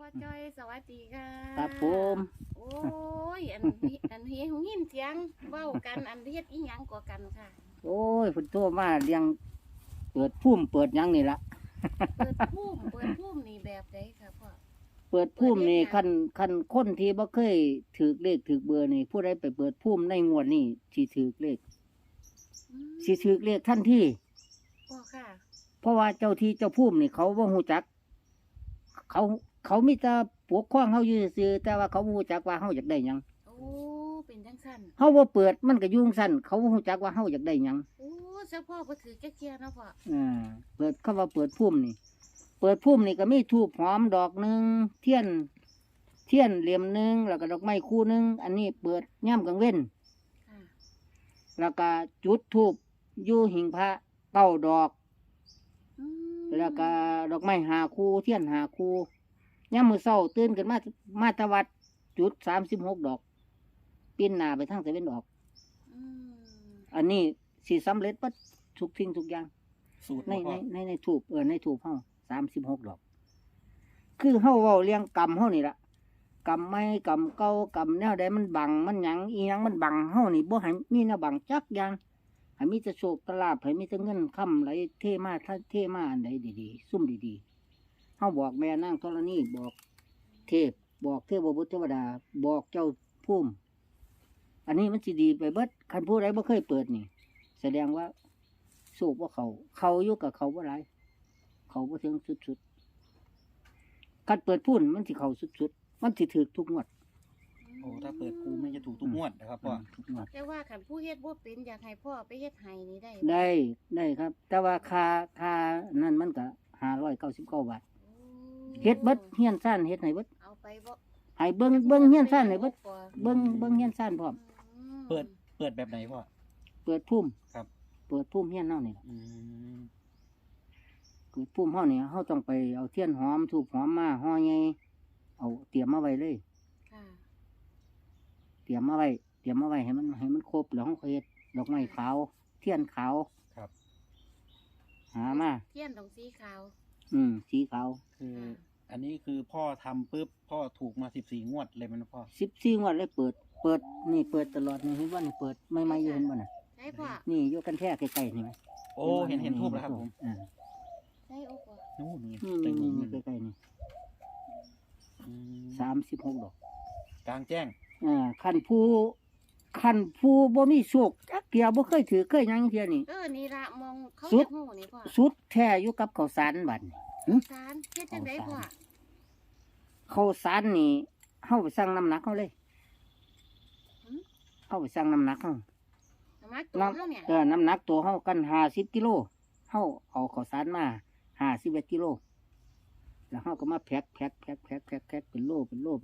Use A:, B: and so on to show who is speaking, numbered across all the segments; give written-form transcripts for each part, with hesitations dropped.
A: จ้อยสวัสดีค่ะ
B: ครับผม
A: โอ้ยอันเฮียหูยินเสียงเว้ากันอันเฮ็ดอีหยังกว่ากันค่ะ
B: โอ้ยเพิ่นโทรมาเลี้ยงเปิดพุ่มเปิดหยังนี่ละ
A: เปิดพุ่มนี่แบบใดค่ะพ่อ
B: เปิดพุ่มนี่
A: เปิดเฮ็ดหยัง
B: คันคนที่บ่เคยถือเลขถือเบอร์นี่ผู้ใดไปเปิดพุ่มในงวดนี้สิถือเลข
A: อืม
B: สิถือเลขทันที
A: พ่อค่ะ
B: เพราะว่าเจ้าที่เจ้าพุ่มนี่เขาบ่ฮู้จัก เขามีแต่ปกครองเฮาอยู่ซื่อๆแต่ว่าเขาบ่ฮู้จักว่าเฮาอยากได้หยัง
A: โอ้เป็นจังซั่น
B: เฮาบ่เปิดมันก็ยุ่งซั่นเขาบ่ฮู้จักว่าเฮาอยากได้หยัง
A: โอ้เจ้าพ่อบ่ถือจักเที่ยเนาะพ่อ
B: เปิดคำว่าเปิดพุ่มนี่ เปิดพุ่มนี่ก็มีธูปหอมดอกหนึงเทียนเหลี่ยมหนึงแล้วก็ดอกไม้คู่หนึงอันนี้เปิดย่ำกลางเว้น
A: ค่ะ
B: แล้วก็จุดธูปอยู่หิ้งพระ9 ดอก
A: อืม
B: แล้วก็ดอกไม้5 คู่เทียน5 คู่ย่ำมื้อเช้าตื่นขึ้นมาตะวัดจุด36 ดอกปีนหน้าไปทางตะวันออก
A: อืม
B: อันนี้สิสำเร็จเบิดทุกสิ่งทุกอย่าง
C: สูตร
B: ใน
C: บ่
B: ใน
C: พ่อ
B: ในถูกในถูกเฮา36 ดอก คือเฮาเว้าเรียงกรรมเฮานี่ล่ะกรรมไม่กรรมเก่ากรรมแนวใดมันบังมันหยังอีหยังมันบังเฮานี่บ่ให้มีแนวบังจักอย่างให้มีแต่โชคตลาภให้มีแต่เงินค่ำไหลเทมาเทมาอันใดดีๆซุ่มดีๆเฮาบอกแม่นางธรณีบอกเทพบอกเทพบุตรเทวดาบอกเจ้าภูมิอันนี้มันสิดีไปเบิดคันผู้ใดบ่เคยเปิดนี่ แสดงว่าสูบว่าเขาอยู่กับเขาว่าไรเขาว่าถึงสุดๆการเปิดพุ่นมันสิเขาสุดๆมันสิถือทุกงวด
C: โอ้ถ้าเปิดกูไม่จะถูกทุกงวดนะครับพ่อ
B: ทุกงวด
A: แต่ว่าคันผู้เฮ็ดบ่เป็นอยากให้พ่อไปเฮ็ดให้นี่ได้บ่
B: ได้ครับ แต่ว่าค่านั่นมันก็599 บาท
A: โอ้
B: เฮ็ดเบิดเฮียนซ่านเฮ็ดให้เบิด
A: เอาไปบ่
B: ให้เบิ่งเฮียนซ่านให้เบิดเบิ่งเฮียนซ่านพร้อม
A: อืม
C: เปิดแบบไหนพ่อ
B: เปิดพุ่ม
C: ครับ
B: เปิดพุ่มเฮียนเฮานี่ล่ะ
C: อืม
B: เปิดพุ่มเฮานี่เฮาต้องไปเอาเทียนหอมธูปหอมมาห่อใหญ่เอาเตรียมมาไว้เลย
A: ค่ะ
B: เตรียมมาไว้ให้มันครบแล้วเขาเฮ็ดดอกไม้ขาว เทียนขาว
C: ครับ
B: หามา
A: เทียนตรงสีขาว
B: สีขาว
C: คือ อันนี้คือพ่อทำปุ๊บพ่อถูกมา14 งวดเลยมันพ่อ
B: 14 งวดเลยเปิดนี่เปิดตลอดนี่เห็นว่านี่เปิดไม่อยู่เห็นบ่น่ะ
A: ใช่พ่อ
B: นี่อยู่กันแท้ใกล้ๆนี่ไหม
C: โอ้เห็นทูบแล้วครับผม
B: อ่า
A: ใช่โอ้พ่อ
C: นู่นนี่
B: นี่
C: เต็ม
B: นี่
C: เล
B: นี่
C: ย
B: ใกล้ๆนี่
C: อืม
B: 36 ดอก
C: กลางแจ้ง
B: คันผู้บ่มีโชคจักเที่ยบ่เคยถือเคยหยังเที่ยนี่
A: นี่ละมองเขา
B: สุด
A: จะหูนี่พ่อ
B: สุดแท้อยู่กับข้าวสารบัดนี่
A: สารเฮ็ดจังไดพ่อ
B: ข้าวสารนี่เฮาไปสั่งน้ำหนักเฮาเลย
A: หืม
B: เฮาไปสั่งน้ำหนักเฮา
A: น้ำมักตัวเฮาเนี่ย
B: น้ำหนักตัวเฮากัน50 กิโลเฮาเอาข้าวสารมา51 กิโลแล้วเฮาก็มาแพ็คเป็นโล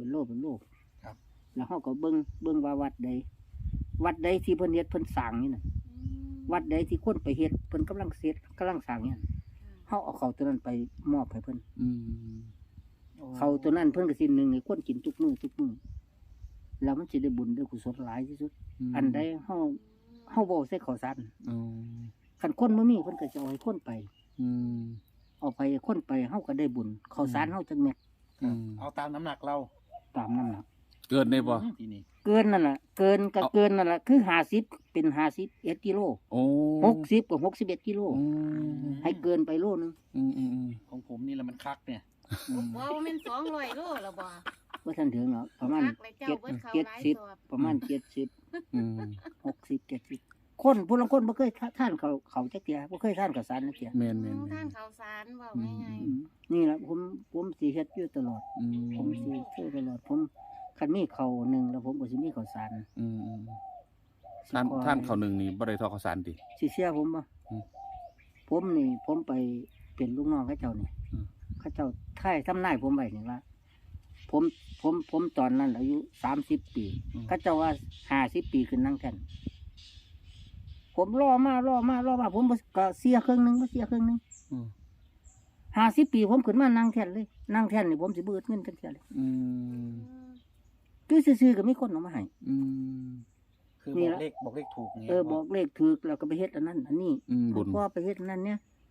B: แล้วเฮาก็เบิ่งว่าวัดใดที่เพิ่นเฮ็ดเพิ่นสร้างนี่น่ะ
A: อืม
B: วัดใดที่คนไปเฮ็ดเพิ่นกำลังสร้างเนี่ยเฮาเอาเข้าวตัวนั้นไปมอบให้เพิ่น
C: อืม
B: เข้าวตัวนั้นเพิ่นก็สิหนึ่งให้คนกินทุกมื้อแล้วมันสิได้บุญได้กุศลหลายที่สุด อันใดเฮาบ่ใส่ข้าวสาร
C: อ๋อ
B: คันคนบ่มีเพิ่นก็จะเอาให้คนไป
C: อืม
B: เอาไปคนไปเฮาก็ได้บุญข้าวสารเฮาจังแม่น
C: ครับเอาตามน้ำหนักเรา
B: ตามน้ำหนัก
D: เกินได้บ่
C: ทีนี้
B: เกินนั่นล่ะเกินก็เกินนั่นล่ะคือ50เป็น51 กิโล
D: โอ้
B: 60ก็61 กิโล
D: อืม
B: ให้เกินไปโลนึง
D: อืมอืมอืม
C: ของผมนี่แหละมันคักเนี่ย
A: บ่ว่ามัน200โลแล้วบ่
B: บ่ทันถึงหรอกประมาณ
A: คักเลยเจ้าเบิดเขาหลายสอบ
B: ประมาณ70
D: อืม
B: 60 70คนผู้ลางคนบ่เคยทานเขาจักเที่ยบ่เคยทานข้าวสารจักเที่ย
D: แม่นแม่น
A: ท่า
D: แม่
A: น
D: น
A: ข้าวสารเว้าง่าย
B: อืมนี่ล่ะผมสิเฮ็ดอยู่ตลอด
D: อืม
B: ผมสิเฮ็ดตลอดผมคันมีข้าวหนึงแล้วผมก็สิมีข้าวสาร
D: อืมอืม
B: สิ
D: ท่าน
B: ขอ
D: ท่านเขาหนึ่งนี่บ่ได้ทอข้าวสารติ
B: สิเชื่อผมบ่
D: อืม
B: ผมไปเป็นลูกน้องเขาเจ้านี่
D: อืม
B: เขาเจ้าท่ายทำนายผมไว้นี่ว่าผมตอนนั้นอายุ30 ปีเขาเจ้าว่า50 ปีขึ้นนั่งแท่นผมรอมาผมบ่ก็เสียครึ่งหนึงบ่เสียครึ่งหนึง
D: อืม
B: 50 ปีผมขึ้นมานั่งแท่นเลยนั่งแท่นนี่ผมสิเบิดเงินจังซี่เลย
D: อื
A: ๆ
D: ม
B: คือซื่อๆก็มีคนเอามาให้
D: อืม
C: คือ
B: นี่
C: บอก
B: ละ
C: เลขถูกไง
B: บอกเลขถูกแล้วก็ไปเฮ็ดอันนั้นอันนี้
D: อืมบุญ
B: พ่อไปเฮ็ดอันนั้นเนี่ย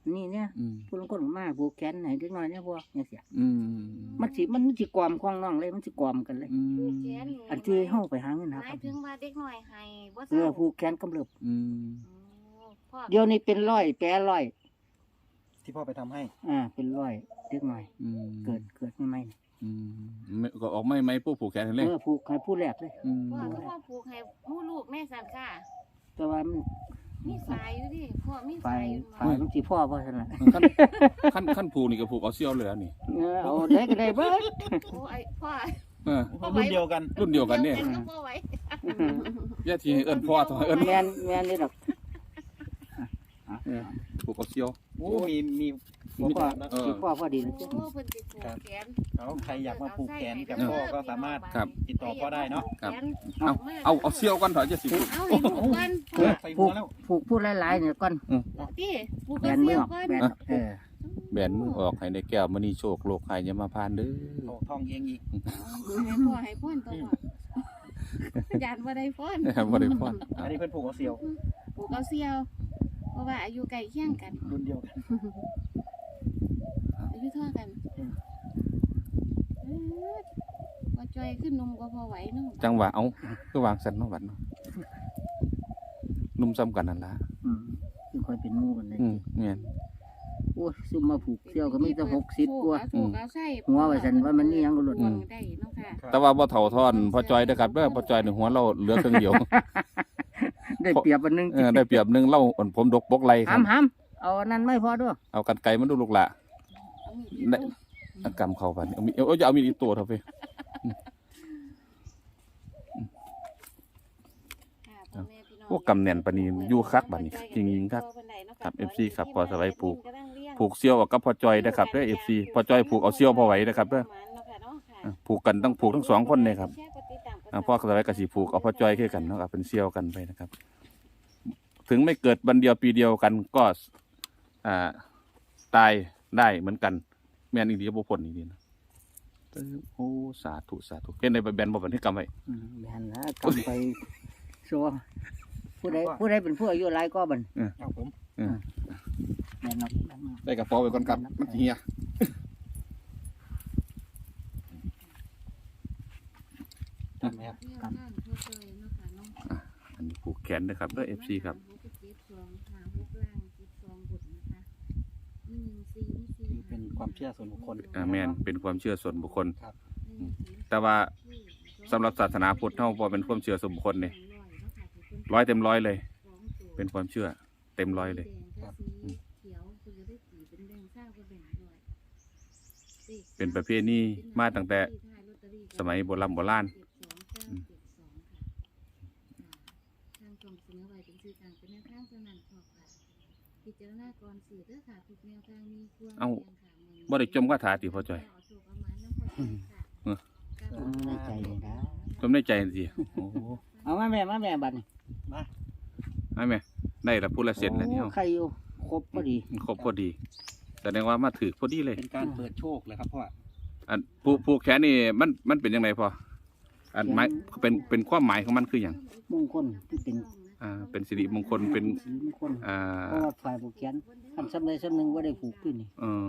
B: นี้เนี่ย
D: อืม
B: ผู้ลางคนก็มาผูกแขนให้เด็กน้อยเนี่ยพวกจังซี่
D: อืม
B: มันสิกวามของน้องเลยมันสิกวามกันเลย
D: อืม
A: แขน
B: อันที่เฮาไปหาเงิน
A: ห
B: หา
A: มา
B: ครั
A: ย
B: บ
A: ถึงว่าเด็กน้อยให้บ่
B: เอ
A: เศร้า
B: อผูกแขนกำเริบ
D: อืม
A: พ่อ
B: เดี๋ยวนี้เป็นร้อยแปรร้อย
C: ที่พ่อไปทำให้
B: เป็นร้อยเด็กน้อย
D: อืม
B: เกิดใหม่
D: อืมไม่ก็ออกไม่ไหมผู้ผูกแขนให้
B: ๆ
D: เลย
B: ผูกให้ผู้แรกเลย
D: อืม
A: พ่อก็ว่าผูกให้หมู่ลูกแม่สั่นค่ะ
B: แต่ว่ามัน
A: มีสายอยู่ดิพ่อมี
B: ฝ่า
A: สาย ยอยู่
B: ฝ่ายมันสิพ่อบ่ซั่นล่ะ
D: ขั้นผูกนี่ก็ผูกเอาเสี้ยวเลยอันนี่
B: เอาได้ก็ได้เบิด
A: โอ้ไอ้พ่อ
D: เออ
C: รุ่นเดียวกัน
D: รุ่นเดียวกันเนี่ย
A: ก็บ่ไหว
D: ย่าทีให้เอิ้นพ่อต้องให้เอิ้น
B: แม่นนี่ดอก
D: ผูกเอาเสี้ยว
C: โอ้มี
B: พ่อ
D: เออ
B: สิพ่อพอดีนะ
A: โอ้เพิ่นสิผูกแขน
C: เขาใครอยากมาผูกแขนกับพ่อก็สามารถ
D: ครับ
C: ติดต่อพ่อได้เนาะ
D: ครับ
A: แขน
D: เอาเสี้ยวก่อนเถอะจะสิผูก
A: เอาให้ผูกก่อน
C: ใส่
B: ผู
C: หัว
B: ก
C: แล้ว
B: ผูกผู้หลายๆเนี่ยก่อน
A: ติผูก
B: แบ
A: กับ
B: นมื
A: เสี้
B: อ
A: ยว
B: ออก
A: ก่อน
B: แบน
D: แบนมือออกให้ได้แก้วมณีโชคโลกใครอย่ามาพานเด้อ
C: โอ้ท่องเองอีก
A: ให้พ่อให้พ่อนตัวพ่อยานบ่ได้พ่อน
D: บ่ได้พร
C: อันนี้เพื่อนผูกเอาเสียว
A: ผูกเอาเสี้ยว เพราะว่าอายุใกล้เคียงกัน
C: รุ่นเดียวกัน
A: อายุเท่ากันว่าจอยขึ้นนมก็พอไหวเนาะ
D: จังหวะเอาคือวางสันเนาะบัดเนาะนุ่มซ้ำกันนั่นล่ะ
B: คือค่อยเป็นหมู่กันเลย
D: แม่น
B: โอ้ยซุ่มมาผูกเสี่ยวก็มีแต่60กว่า
A: ผูกเอาใส่
B: หัวไว้ซั่นว่ามันมีหยังก็หลุด
A: ได้เนาะค่ะ
D: แต่ว่าบ่เฒ่าทอนพ่อจอยเด้อครับเด้อพ่อจอยนี่หัวเราเหลือครึ่งเดียว
B: ได้เปรียบอันหนึง
D: ได้เปรียบหนึงเราอ่อนผมดกบกไหลครับ
B: หำเอาอันนั้นไม่พอด้วย
D: เอากันไกลมันดูลูกละ
A: เอามีด
D: ได้อันกำเข้ากันเอามีจะเอามีดอีกตัวเถอะพี่
A: ค่ะพ่อแม่พี่น้อง
D: พวกกำแหน่นปานนี้อยู่คักบัดนี้จริงๆครับ ครับ FC ครับพอสบายผูกเซี่ยวกับพ่อจอยนะครับเด้อ FC พ่อจอยผูกเอาเซี่ยวพอไหวนะครับเด้อผูกกันต้องผูกทั้งสองคนเลยครับพ่อสบายก็สิผูกเอาพ่อจอยคือกันเนาะครับเป็นเซี่ยวกันไปนะครับ ถึงไม่เกิดวันเดียวปีเดียวกันก็ตายได้เหมือนกันแม่นอีกทีก็บ่พ้นอีกทีนะโอ้สาธุสาธุเฮ็ดในแบนบ่บันทึกกรรมไว้
B: แม่นนะกำไปชัวผู้ใดเป็นผู้อายุหลายก็บัน
C: เอาผม
B: แม่นเนาะ
D: ได้กระเป๋าไว้ก่อนครับมันสิเฮีย
C: ทำไหมครับ
D: อันนี้ผูกแขนนะครับเด้อ FC ครับ
C: นี่เป็นความเชื่อส่วนบุคคล
D: แม่นเป็นความเชื่อส่วนบุคคล
C: ครับ
D: แต่ว่าสำหรับศาสนาพุทธเฮาบ่เป็นความเชื่อส่วนบุคคลนี่100 เต็ม 100เลย เป็นความเชื่อเต็ม 100เลย เป็นประเพณีมาตั้งแต่สมัยโบราณเอ้าบ่ได้จมคาถาติพ่อจ้อย
B: ในใจเลยนะ
D: จมในใจสิโอ้โห
B: เอามาแม่บัดนี้
D: ให้แม่ได้ละพูดละเสร็จแล้วเนี่ย
B: ใครอยู่ครบพอดี
D: ครบพอดีแสดงว่ามาถือพอดีเลย
C: เป็นการเปิดโชคเลยครับพ่อ
D: อันผูกแขนนี่มันเป็นยังไงพออันหมายเป็นความหมายของมันคืออย่าง
B: มงคลที่เป็น
D: เป็นสิริมงคลเป็น
B: สีมงคล
D: อ่า
B: เพราะว่าฝ่ายผูกแขนคันสำใดสำหนึ่งว่าได้ผูกขึ้นนี่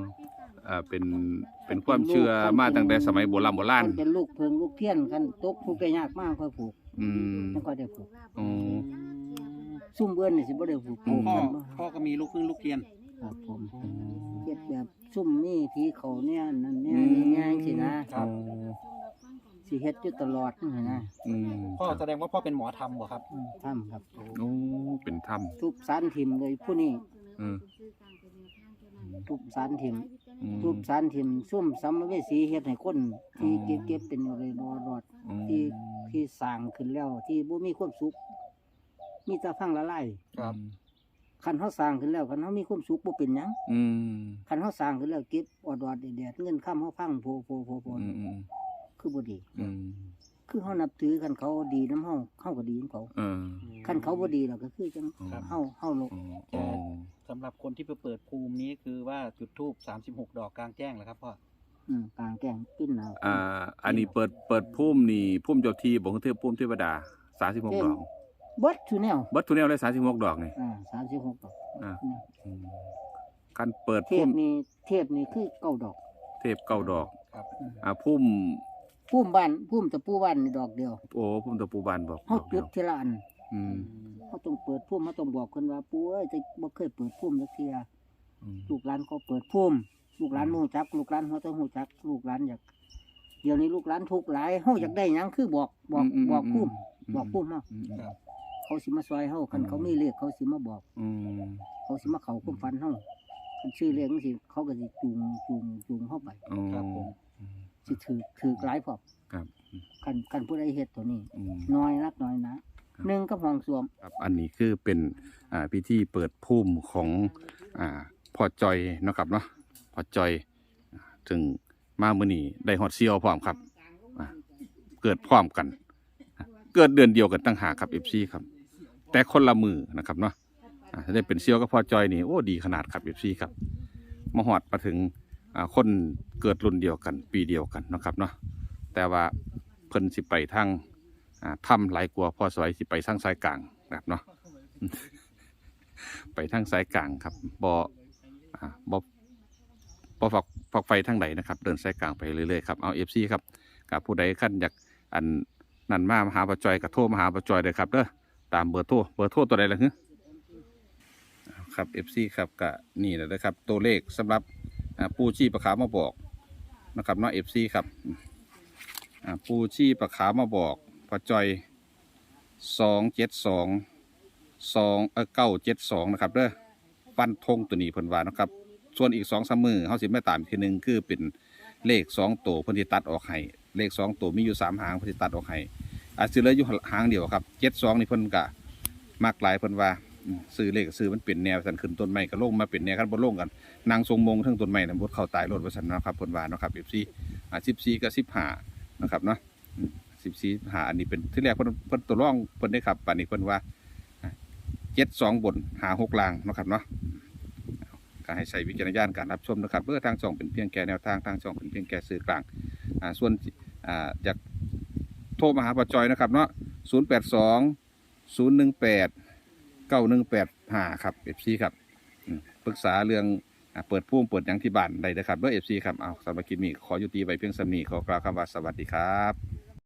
D: เป็นความเชื่อมาตั้งแต่สมัยโบราณ
B: มันเป็นลูกเพิงลูกเทียนคันตกผูกได้ยากมากค่อยผูก
D: อืม
B: แล้วก็ได้ผูก
D: อ๋อ
B: ซุ่มเบิ้นนี่สิบ่ได้ผูก
C: พ่อก็มีลูกครึ่งลูกเรียน
B: ครับผมเฮ็ดแบบซุ่มนี่ผีเขาเนี่ยนั่นเนี่ยง่ายๆสินะสิเฮ็ดอยู่ตลอดนี่นะ
D: อืม
C: พ่อแสดงว่าพ่อเป็นหมอธรรมเหรอครับ
B: ทำครับ
D: โอ้เป็นถ้
B: ทุบสารถิ่มเลยผู้นี้
D: อืม
B: ทุบสารถิ่ม
D: อืม
B: ทุบสารถิ่มซุ่มสัมภเวสีเฮ็ดให้คนที่เก็บเป็นอะไรรอด
D: อืม
B: ที่สร้างขึ้นแล้วที่บ่มีความสุขมีแต่พังละลาย
C: ครับ
B: คันเฮาสร้างขึ้นแล้วคันเฮามีความสุขบ่เป็นหยัง
D: อืม
B: คันเฮาสร้างขึ้นแล้วเก็บอดๆแดดๆเงินค้ำเฮาพังโผ
D: อืมอืม
B: คือบ่ดี
D: อืม
B: คือเฮานับถือคันเขาดีนำเฮาก็ดีนำเขา
D: เออ
B: คันเขาบ่ดีแล้วก็คือจัง
D: ครับ
B: เฮาโลก
D: อ๋อ
C: สำหรับคนที่ไปเปิดภูมินี้คือว่าจุดธูป36 ดอกกลางแจ้งเหรอครับพ่อก
B: ลางแจ้งปิ้นเอา
D: อันนี้เปิดพุ่มนี่พุ่มเจ้าที่บ่คือพุ่มเทวดา36 ดอก
B: เบิดทุแนว
D: เบิดทุกแนวเลย36 ดอกนี่
B: 36ดอก
D: อ่า อืมคคันเปิด
B: เท
D: พุ่
B: พ
D: ม
B: นี่เทพนี่คือเก้าดอก
D: เทพเก้าดอก
C: ครับ
D: พุ่ม
B: พุ่มบ้านพุ่มตะปูบ้านนี่ดอกเดียว
D: โอ้พุ่มตะปูบานบอก
B: เฮา
D: ดอกเดี
B: จุ
D: ย
B: ด
D: ว
B: ทีละอัน
D: อืม
B: เฮาต้องเปิดพุ่มเฮาต้องบอกเพิ่นว่าปู่เอ้ยจะบ่เคยเปิดพุ่มจักเที่ย
D: อืม
B: ลูกหลานเขาเปิดพุ่มลูกหลานบ่ฮู้จักลูกหลานเขาต้องฮู้จักลูกหลานอยากเดี๋ยวนี้ลูกหลานทุกข์หลายเฮาอยากได้หยังคือบอกบอกพุ่มบอกพุ่มเฮา
D: อืม
C: ครับ
B: เขาสิมาซอยเฮาคันเขามีเลขเขาสิมาบอก
D: อืม
B: เขาสิมาเข้าความฝันเฮาคันชื่อเลขจังซี่เขาก็สิจูงเฮาไป
D: อืม
C: ครับผม
B: สิถือหลายพร้อม
D: ครับ
B: คันผู้ใดเฮ็ดตัวนี้
D: อืม
B: น้อยนักน้อยนะหนึ่งกับห้องส้วม
D: ครับอันนี้คือเป็นพิธีเปิดพุ่มของพ่อจอยเนาะครับเนาะพ่อจอยถึงมามื้อนี้ได้ฮอดเซียวพร้อมครับเกิดพร้อมกัน เกิดเดือนเดียวกันตั้งหากครับ FC ครับแต่คนละมือนะครับเนาะถ้าได้เป็นเซียวกับพ่อจอยนี่โอ้ดีขนาดครับ FC ครับมาฮอดมาถึงคนเกิดรุ่นเดียวกันปีเดียวกันเนาะครับเนาะแต่ว่าเพิ่นสิไปทางถ้ำหลายกว่าพ่อสวยสิไปทางสายกลางนะครับเนาะ ไปทางสายกลางครับบ่ฝักไฟทางไหนนะครับเดินสายกลางไปเรื่อยๆครับเอา FC ครับกับผู้ใดขั้นอยากอันนั่นมาหาปะจอยกับโทรมาหาปะจอยเลยครับเด้อตามเบอร์โทรตัวใดล่ะฮึครับ FC ครับก็นี่แหละนะครับตัวเลขสำหรับปูชีปะขาวมาบอกนะครับเนาะ FC ครับปูชีปะขาวมาบอกปะจอย972นะครับเด้อฟันธงตัวนี้เพิ่นว่านะครับส่วนอีก2-3มือเฮาสิมาตามอีกทีนึงคือเป็นเลข2ตัวเพิ่นสิตัดออกให้เลข2ตัวมีอยู่3หางเพิ่นสิตัดออกให้อาจสิเหลืออยู่หางเดียวครับ72นี่เพิ่นก็มักหลายเพิ่นว่าซื้อเลขซื้อมันเป็นแนวสั่นขึ้นต้นไม้ก็ลงมาเป็นแนวกันบ่ลงกันนางทรงมงทั้งต้นไม้น่ะบ่เข้าตายรถว่าซั่นนะครับเพิ่นว่าเนาะครับ14กับ15นะครับเนาะ14 15อันนี้เป็นที่แรกเพิ่นตัวรองเพิ่นได้ครับปานนี้เพิ่นว่า72บน56ล่างเนาะครับเนาะก็ให้ใช้วิจารณญาณการรับชมนะครับเพื่อทางช่องเป็นเพียงแค่แนวทางทางช่องเป็นเพียงแค่สื่อกลางส่วนอยากโทรมาหาป้าจอยนะครับเนาะ082-018-9185ครับ FC ครับปรึกษาเรื่องเปิดพุ่มเปิดหยังที่บ้านได้นะครับด้วย FC ครับเอาสำหรับคลิปนี้ขอยุติไว้เพียงสำนีขอกล่าวคำว่าสวัสดีครับ